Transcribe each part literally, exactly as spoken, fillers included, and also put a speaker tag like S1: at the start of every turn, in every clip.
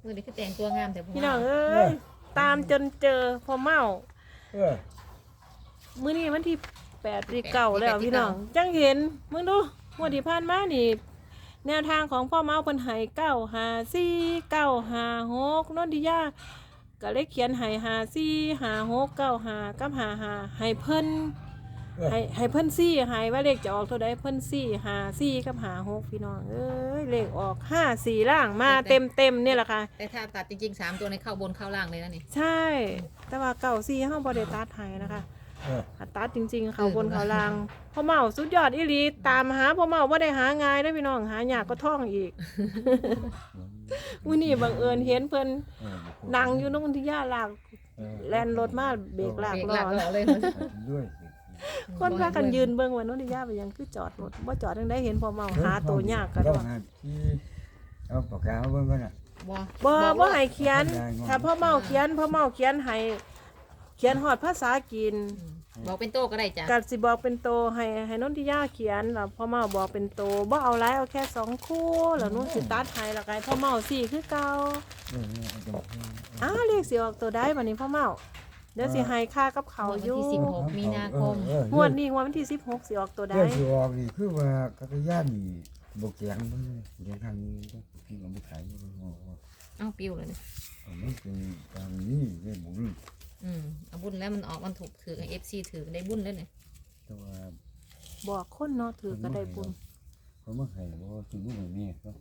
S1: เมื่อนี้คือแต่งตัวงามแต่
S2: พี่น้องเอ้ยตามจนเจอพอเมา
S3: เออ
S2: มื้อนี้วันที่แปดที่เก้าแล้วพี่น้องจังเห็นมึงดูงวดที่ผ่านมานี่แนวทางของพ่อเมาเพิ่นให้เก้าห้าสี่เก้าห้าหกนนทิยาก็เลยเขียนให้ห้าสี่ห้าหกเก้าห้ากับห้าห้าให้เพิ่นให้ให้เพิ่นสี่ให้ว่าเลขจะออกเท่าใดเพิ่นสี่ห้าสี่กับห้าหกพี่น้องเอ้ยเลขออกห้าสี่ล่างมาเต็มเต็มๆนี่แหละค่ะ
S1: แต่ถ้าตัดจริงๆสามตัวในเข้าบนเข้าล่างเลยนะนี่
S2: ใช่ แต่ว่าเก่าซีเฮาบ่ได้ตัดให้นะคะ
S3: เออ
S2: ถ้าตัดจริงๆ เขาบนเขาล่างพ่อเมาสุดยอดอีหลีตามหาพ่อเมาบ่ได้หาง่ายเด้อพี่น้องหายากก็ท่องอีก มื้อนี้บังเอิญเห็นเพิ่น
S3: เออ
S2: นั่งอยู่นนทิยาลาก
S3: เออ
S2: แล่นรถมาเบรกลาก
S1: เบรก
S2: ล้
S1: หลั
S2: อก
S1: ล้อเลย
S3: ด้วย
S2: คนพากันยืนเบิ่งว่านนทิยาไปยังคือจอดรถบ่จอดจังได๋เห็นพ่อเมาหาตัวยากกัน
S3: ก็
S2: ว่า
S3: หาที่เอาปากกามาเบิ่งก่อนน่ะ
S1: บ่
S2: บ่บ่ให้เขียน ถ้าพ่อเมาเขียนพ่อเมาเขียนให้เขียนฮอดภาษาจีน
S1: บอกเป็นโต้ก็ได้จ้ะ
S2: กัดสิบอกเป็นโตให้ให้นนทิยาเขียนแล้วพ่อเมาบอกเป็นโตบ่เอาหลายเอาแค่สองคู่แล้วหนู้สิตัดให้แล้วก็ให้พ่อเมาสี่คือเก่า
S3: เออเอาตรงนี้
S2: อ้าวเรียกสิออกตัวได้บัดนี้พ่อเมาเดี๋ยวสิให้ค่ากับเขา
S1: วัน
S2: อยู่
S1: ที่สิบหกมีนาคม
S3: เออเออง
S2: วดนี้งวดวันที่สิบหกสิออกตัวได้
S3: เรื่องสิออกนี่คือว่ากักยานนี่บ่แข็งมันเดินทางนี้พี่ก็บ่ขายบ่
S1: เอ้าปิวเลยนี่
S3: เอามันเป็นทางนี้เรื่องบุญ
S1: อืมเอาบุญแล้วมันออกมันถูกถือเอฟซีถือได้บุญเลยเนี่ย
S3: แต่ว่า
S2: บอกคนเนาะถือก็ได้บุญ
S3: เขามาให้บ่ถึงบ่ให้แม่ก็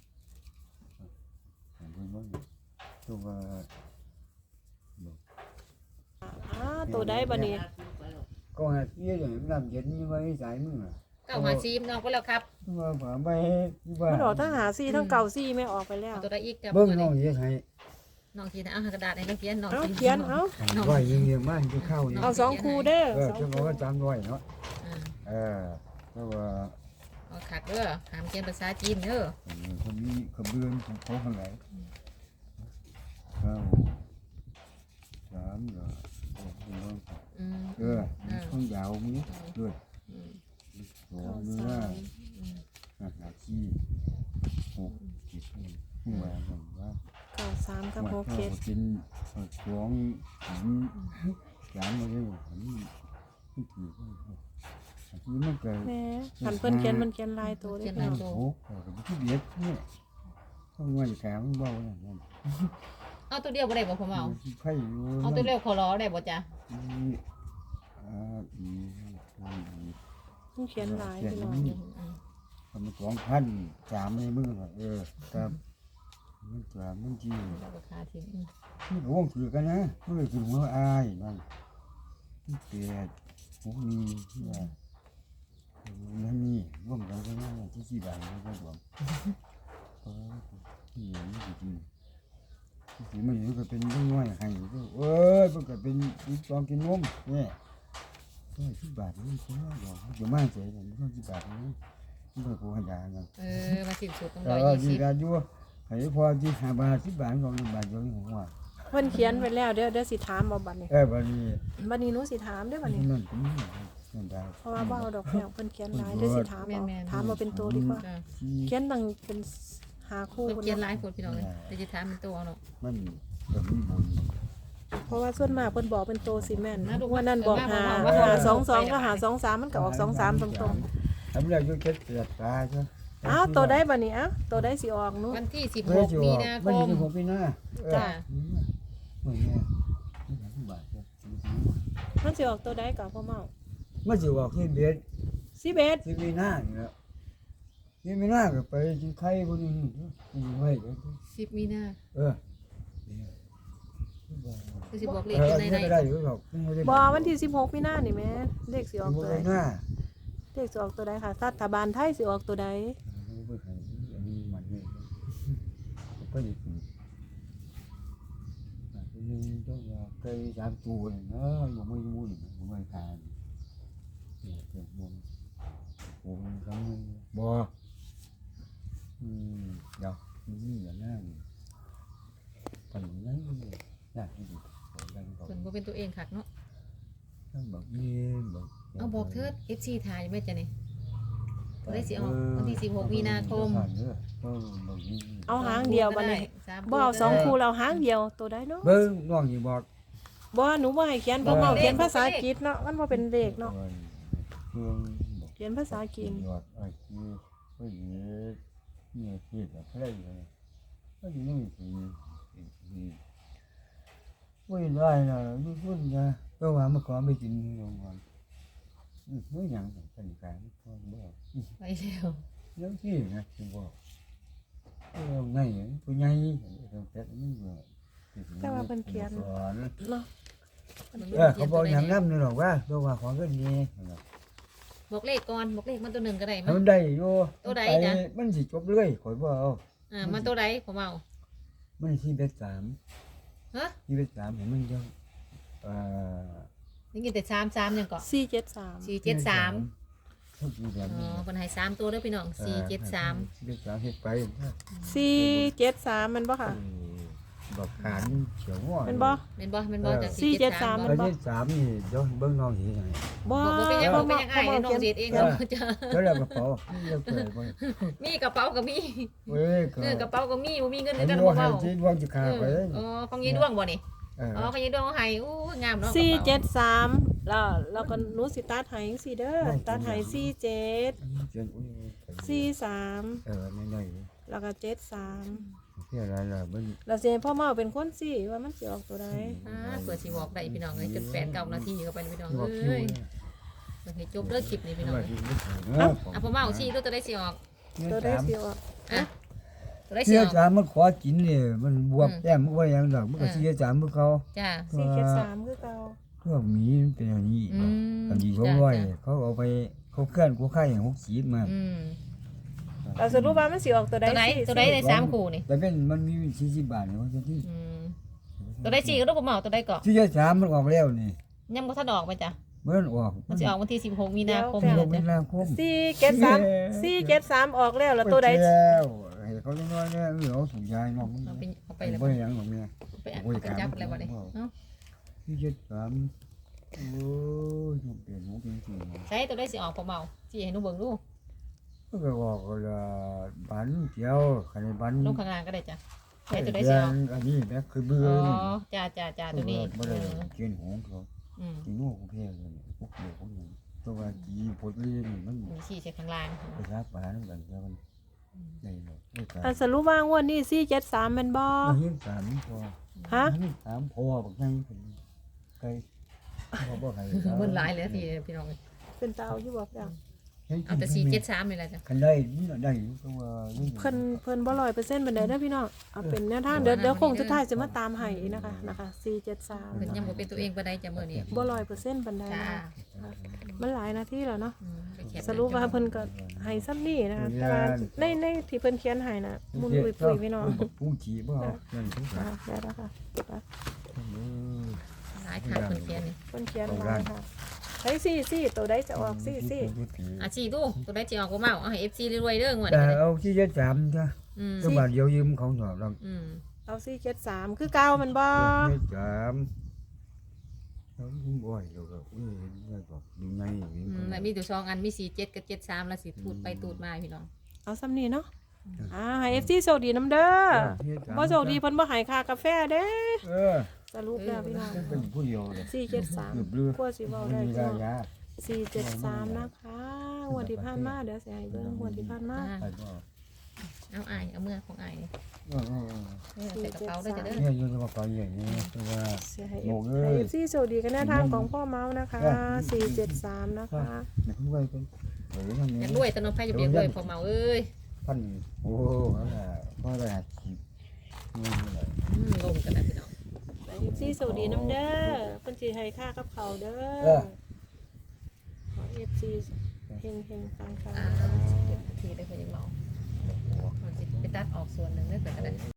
S3: ให้เพิ่นบ่ตัวว่า
S2: อ้าตัวได้บัดนี้
S3: ก็หาเสียอย่างน้ำเย็นนี่ไว้สายมึงอ่ะ
S1: เก้าหาซีมน้องไปแล้วครับ
S3: ว่าผ่าไปที่ว่า
S2: มันออกทั้งหาซี่ทั้งเก่าซี่ไม่ออกไปแล้ว
S1: เอาตัวได้อีกจ้ะ
S3: เบิ่งน้องเฮ็ดให้
S1: น้องทีนะเอากระดาษให้เราเขียนน้อง
S2: เอาเขียนเอา
S3: อันไว้เงียบๆมาให้เข้านี่
S2: เอาสองคู่เด้อ
S3: เออ
S2: สอง
S3: จะบอก
S2: คู่
S3: ว่าจำไว้เนาะ
S1: อ่า
S3: เออเพราะว่า
S1: เอาขัดเด้อหามเขียนภาษาจีนเด้อ
S3: คนนี้ขบเบือนของเขาข้างไหนเข้าสามเหรอโอ้โห
S1: อืม
S3: เออข้างยาวมีด้วย
S1: อืม
S3: สองเนื้อหาขี้หกจิตหัวผมว่า
S2: เก่าสามกับ
S3: ว่า
S2: หก
S3: เขา
S2: เจ็ด
S3: กินสองหินสามมาเลยผมไม่ถือที่มันเกิด
S2: แหม่หันเพิ่นเขียนมันเขียนลายตัวได้
S1: เขียน
S2: พี่
S1: ลาย
S2: น้อง
S1: ตัว
S3: โอ้โหกับที่เด็ดเนี่ยต้องว่าจะแข็งเบาอย่างนั้น
S1: เอาตัวเดียวบ่ได้บ่ผมเอา
S3: ไข่อยู่
S1: เอาตัวเดียวขอร้อได้บ่จ้ะ
S3: อ่าอีอี
S2: มันเขียนลายพี่น้อง
S1: อืม
S3: ทำสองพันสามในมือเออครับมันสามมันจี
S1: เอาราคาทิ้งอืม
S3: นี่ก็วงถือกันนะมันเลยถึงหัวอายนั่นเปียดพวกนี้ที่ว่านั่นนี่ร่วมกันก็น่าที่สี่บาทก็ได้รวมเออที่อย่างนี้จริงที่มันอยู่ก็เป็นเรื่องน้อยให้ก็เอ้ยมันก็เป็นอีกสองกินนมเนี่ยก็ที่บาทนี่ก็น่าหรอกจะมากเสียอย่างนี้ก็ที่บาทนี้มันก็กูให้ยาเงิน
S1: เออมาสิ้นสุดต้อง
S3: เอ
S1: ร้อย
S3: อ
S1: ยี่
S3: ดี
S1: สิบ
S3: กันอยู่ให้พอที่หาบาทสิบบาทก็บาทเดียวนี่ผมว่า
S2: เพิ่นเขียนไว้แล้วเดี๋ยวเดี๋ยวสิถามเอาบัดนี้
S3: เออบัดนี้
S2: บัดนี้หนูสิถามเด้อบัดนี้
S3: นั่นก็มีนั่นได้
S2: เพราะว่าบ่เอาดอกแก้วเพิ่นเขียนหลายเดี๋ยวสิถามเอาถามเอาเป็นตัวดีกว่า
S1: จ้ะ
S3: ที่
S2: เขียนตั้งเป็นหาคู่
S1: เพิ่น
S2: พุ่น
S1: เขียน
S2: เนาะ
S1: หลายคนพี่น้องเลยเดี๋ยวจะถามเป็นตัวเอาเนาะ
S3: มันก็มีบุญ
S2: เพราะว่าส่วนมากเพิ่นบอกเป็นตัวซีเมนต์
S1: นะลูก
S2: วันนั้นบอกหา
S1: ว่า
S2: หา
S1: ว่า
S2: สองสองก็หาสองสามมันก็ออกสองสามตรง
S3: ทำแล้วอยู่เก็ดเกียดตาใช่
S2: ๆอ้าวตัวได้บัดนี้อ้าวตัวได้สิออกหนู
S1: วันที่สิบ
S3: เฮ้
S1: ห
S3: ย
S1: ก
S3: จิ๋ว
S1: มีนาค
S3: มัน
S1: ม
S3: สิบหกปีหน้าเออ
S1: จ้ะ
S3: เมื่อไงนี่หลายบาท
S2: มันสิออกตัวได้กับพ่อเมา
S3: มันสิบอกที่เบ็ด
S2: สิบเอ็ด
S3: ที่มีหน้านี่แหละที่มีหน้าก็ไปกินไข่พวกนี้กินไว้
S1: สิบมีนา
S3: เออ
S1: คือสิบอกเลข
S3: เอ
S1: อยู่
S3: อ
S1: ใน
S3: นี่
S1: ใน
S3: ก็ได้อยู่หรอก
S2: บอวันที่สิบหกมีนานี่แม่เลขสิออกตัวใด
S3: หน้า
S2: เลขสิออกตัวใดค่ะรัฐบาลไทยสิออกตัวใด
S3: ไม่เคยอันนี้มันนี่ก็อยู่ที่นึงต้องว่าเคยสามตัวเลยเนาะอยู่ไม่มุ่นอยู่ไม่ทานเนี่ยเก็บวงวงคำนึงบ่อืมเดี๋ยวนี่อย่างนั้นปันนั้นยากที่สุดกันก็
S1: เพิ่นบ่เป็นตัวเองคักเนาะ
S3: ต้องบอกนี่บอก
S1: เอาบอกเถิด เอฟ ซี ถ่ายไว้จ้ะนี่ตัวได้สิออกวันที่สิบหกมีนาคม
S2: เอาหางเดียวบัดนี้
S1: สาม
S2: บ่เอาสองคู่เราหางเดียวตัวได้เนาะ
S3: เบิ่งน้องสิบอก
S2: บ่หนูบ่ให้เขียนเพราะว่าเขียนภาษาอังกฤษเนาะมันบ่เป็นเลขเนาะ
S3: เบิ่งบอก
S2: เขียนภาษาอังกฤษ
S3: ยอดไอ้ที่ก็เยอะเนี่ยคิดอะอะไรเลยก็อยู่นี่สิไม่ได้นะลูกคุณนะก็ว่าเมื่อก่อนไปกินโรงงานไม่ยังเป็นการก็บอก
S1: ไปแล้ว
S3: แล้วที่นะคือบอกเออไงผู้ใหญ่ต้องแต่นี่ว่า
S2: แต่ว่าเพิ่นเขียน
S3: สอน
S2: เนาะ
S3: เออเขาบอกอย่างนั้นนี่หรอกว่าตัวว่าของก็ดี
S1: บอกเลขก่อนบอกเลขมันตัวหนึ่งก็ได้มั้
S3: มันได้อยู่
S1: ตัวใดนะ
S3: มันสิจบเลยข่อยบ่เอา
S1: อ่ามันตัวใดผมเอา
S3: มันที่เบ็ดสาม
S1: ฮะ
S3: ที่เบ็ดสามเห็นมันจะเอ่อ
S1: นี่กินแต่สามสามยังเกาะ
S2: สี่เจ็ดสาม
S1: สี่เจ็ดสาม
S3: ทุกทีแบบ
S1: อ๋
S3: นี้
S1: อคนให้สามตัวเด้อพี่น้องสี่เจ็ดสาม
S3: เบ็ดสามเฮ็ดไป
S2: สี่เจ็ดสามมันบ่ค่ะ
S3: บอกขานเฉียวง้อ
S2: เป็นบ่
S1: เป็นบ่เป็นบ่จาก
S2: สี่เจ็ดสาม
S1: บ่
S3: แล้วที่สามนี่เดี๋ยวเบิ่งน้องสิยังไง
S2: บ่
S1: บอกว่าเป็นยัง
S2: บ่
S1: บอกเป็นยังไงเดี๋ยวน้องเสียเองเราจะ
S3: แล้วแล้วกระเป๋าเรียกเปิดบ่
S1: มีกระเป๋าก็มี
S3: เว้ยก็
S1: เออกระเป๋าก็มีบ่มีเงิน
S3: เห็น
S1: กัน
S3: ว่า
S1: บ่
S3: ให้
S1: เบา
S3: ที่ดวงจะขาดไป
S1: เอออ๋อของยายดวงบ่นี่
S3: เออ
S1: อ๋อของยายดวงเขาให้อู้งามเนาะ
S2: สี่เจ็ดสามแล้วแล้วก็หนูสิตัดให้จังซี่เด้อตัดให้สี่เจ็ด
S3: เจียนอุ้ย
S2: สี่สาม
S3: เออน้อย
S2: แล้วก็เจ็ดสาม
S3: ๆเพื่ออะไรล่ะเบิ่ง
S2: แล้วสิให้พ่อเมาเป็นคนสิว่ามันสิออกตัวใด
S1: อ่าเปิดสิบอกได้พี่น้องเอ้ยจนแปดเก้านาทีเข้าไปเลยพี่น้อง
S3: ที่ว่าคิว
S1: เอ้ย
S3: เนี่ย
S1: เดี๋ยวให้จบเลิกคลิปนี้พี่น้อง
S3: ว่า
S1: เอ้ย
S3: ที่ไม่ถูกเนาะ
S1: อ่ะผมเอาสิตัวจะได้สิออก
S2: ตัวใดสิออก
S1: อ่ะตัวได้สิ
S3: เสีย
S1: ออก
S3: จามมันขอกินนี่มันบวบแต้มมันว่าอย่างดอกมันก็เสียจามมันเขา
S1: จ้า
S2: สี่เจ็ดสามคือเก่า
S3: พวกหมีมันเป็นอย่างนี้
S1: อืม
S3: อันนี้เขาร้อยเขาเอาไปเขาเคลื่อนกูไข่หกสีมา
S1: อืม
S2: เราสรุปว่ามันสิออกตัวใด
S1: ตัวไหน
S2: สี่
S1: ตัวไหนในสามคู่นี่
S3: แต่เป็นมันมีสี่สิบบาทเนี่ยว่าจะที่
S1: อืมตัวได้สี่ก็ต้องผมเอาตัวได้ก่อน
S3: ที่จะสามมันออกแล้วนี่
S1: ยังบ่ทันออกไปจ้ะ
S3: เมื่อออก
S1: มันสิออกวันที่สิบหกมีนาคม
S3: ล
S1: นี่แหละ
S3: งมี
S1: จ้ะ
S3: นาคม
S2: สี่เจ็ดสามสี่เจ็ดสามออกแล้วแล้วตัวใด
S3: แล้วให้เขาเล็กน้อยเนี่ยเออเอาถุงยายน้องมึง
S1: เอาไปเอาไป
S3: ไป
S1: แล้ว
S3: บ่ยังของเมีย
S1: เอาไปเอาไปจับอะไรบ่ได้เนาะ
S3: ที่จะสามโอ้ยมันเปลี่ยนหัวเป็นสี
S1: ใช้ตัวได้สิออกผมเอาสิให้หนูเบิ่งดู
S3: ก็ไปบอกว่าบันเดียวคันบัน
S1: ลงข้างล่างก็ได้จ้ะใช้ตัวได้สิออก
S3: อันนี้แม่คือเบื่อ
S1: อ๋อ
S3: นี่
S1: จ้าจ้าจ้าตัวนี้
S3: บ่
S1: เอ
S3: ได้
S1: อ
S3: เกินหัวเขา
S1: อืม
S3: กินหัวกูเพี้ยเลยพวกเดียวพวกนี้ตัวว่าจีพดเลี้ยงมัน
S1: มีสี่ใช้ข้างล่าง
S3: ไปรักปลาน้ำกันแล้วมันได้เลยไม่กล้า
S2: อันสรุปว่างวดนี้สี่เจ็ดสามแมันบ่
S3: ไม่เห็นสามพอ
S2: ฮะ
S3: ไม่เห็นสามพอบักยังเป็นไก่พอบ่ใคร
S1: มันหลายเลยทีพี่น้อง
S2: เป็นเตาอยู่บอกจัง
S1: เอาแต่สี่เจ็ดสามนี่แหละจ้ะ
S3: คันได้มันได้อยู่ก็ว่า
S2: เพิ่นเพิ่นบ่ร้อยเปอร์เซ็นต์ปานใดเด้อพี่น้องเอาเป็นแนวทางเดี๋ยวเดี๋ยวคงสุดท้ายจะมาตามให้นะคะนะคะสี่เจ็ดสาม
S1: เพิ่นยังบ่เป็นตัวเองปานใดจ้ะมื้อนี้
S2: บ่ร้อยเปอร์เซ็นต์ปานใด
S1: จ้า
S2: นะคะมันหลายนาทีแล้วเนาะ
S1: อืมไปแคป
S2: สรุปว่าเพิ่นก็ให้ซ้ำนี่นะคะแต่ว่าในในที่เพิ่นเขียนให้น่ะมุนปุยปุยพี่น้อง
S3: ผู้จีบ่เอานั่นทุกอย่าง
S2: ได้แล้วค่ะ
S1: หลายทางเพิ่นเขียนนี่
S2: เพิ่นเขียนมาค่ะใช้สี่สี่ตัวใดจะออกสี่สี่
S1: อ่ะสี่ดูตัวได้สิออกบ่เมาเอาให้ เอฟ ซี รวยๆเด้องวด
S3: แต่
S1: นี้
S3: เอาที่จะจำจ้ะ
S1: อืม
S3: ก็บาทเดียวยืมเขาหน่อยเรา
S1: อืม
S2: เอาสี่เจ็ดสามคือเก่ามันบ่
S3: ไม่จำเราคุ้มบ่อยเราก็เอ้ยนี่ก็ดูไงอย่างนี้
S1: อืมแล้วมีตัวสองอันมีสี่เจ็ดกับเจ็ดสามแล้วสิตูดไปตูดมาพี่น้อง
S2: เอาซ้ำนี่เนาะอ่าให้ เอฟ ซี โชคดีน้ำเด้อบ่โชคดีเพิ่นบ่ให้ค่ากาแฟเด้
S3: เออ
S2: สรุปแล้วพี่น้อง
S3: เป็นผู้เดียวเลย
S2: สี่เจ็ดสาม
S3: เกือบเลือก
S2: กลัวสิเว้า
S3: ไม่
S2: ได้
S3: มี
S2: ก็
S3: รายา
S2: สี่เจ็ดสามนะคะงวดที่ผ่านมาเดี๋ยวสิให้เบิ่งงวดที่ผ่านมา
S1: อ่า
S3: ใครก็
S1: เอาอายเอาเมื่อของอายนี่
S3: เออเออ
S1: เออใส่กระเป๋าด้วยจ้ะเด้อ
S3: เนี่ยอยู่ในกระเป๋าอย่างนี้คือว่า
S2: สิให้
S3: โอ้เอ้ย
S2: ให้ เอฟ ซี โชคดีกันแนวทางของพ่อเมาส์นะคะสี่เจ็ดสามนะคะ
S3: เด็กด้วยเป็นเออทำ
S1: อ
S3: นี้
S1: ยากรวยแตโนนไผจะเบียกรวยพอเมาเอ้ย
S3: พันโอ้นั่นแหละพ่อได้หัดขีดนี่แหละ
S1: อืมลงกันนะพี่น้อง
S2: เอฟซีโชคดีน้ำเด้อเพิ่นสิให้ค่ากับเขาวเด้อขอ เอฟ ซี เฮงเฮงๆปังๆ
S1: อ่า
S2: นะคะ
S1: เก็บทีได้เพิ่นยังเมามันสิไปตัดออกส่วนหนึงได้เพิ่นก็ได้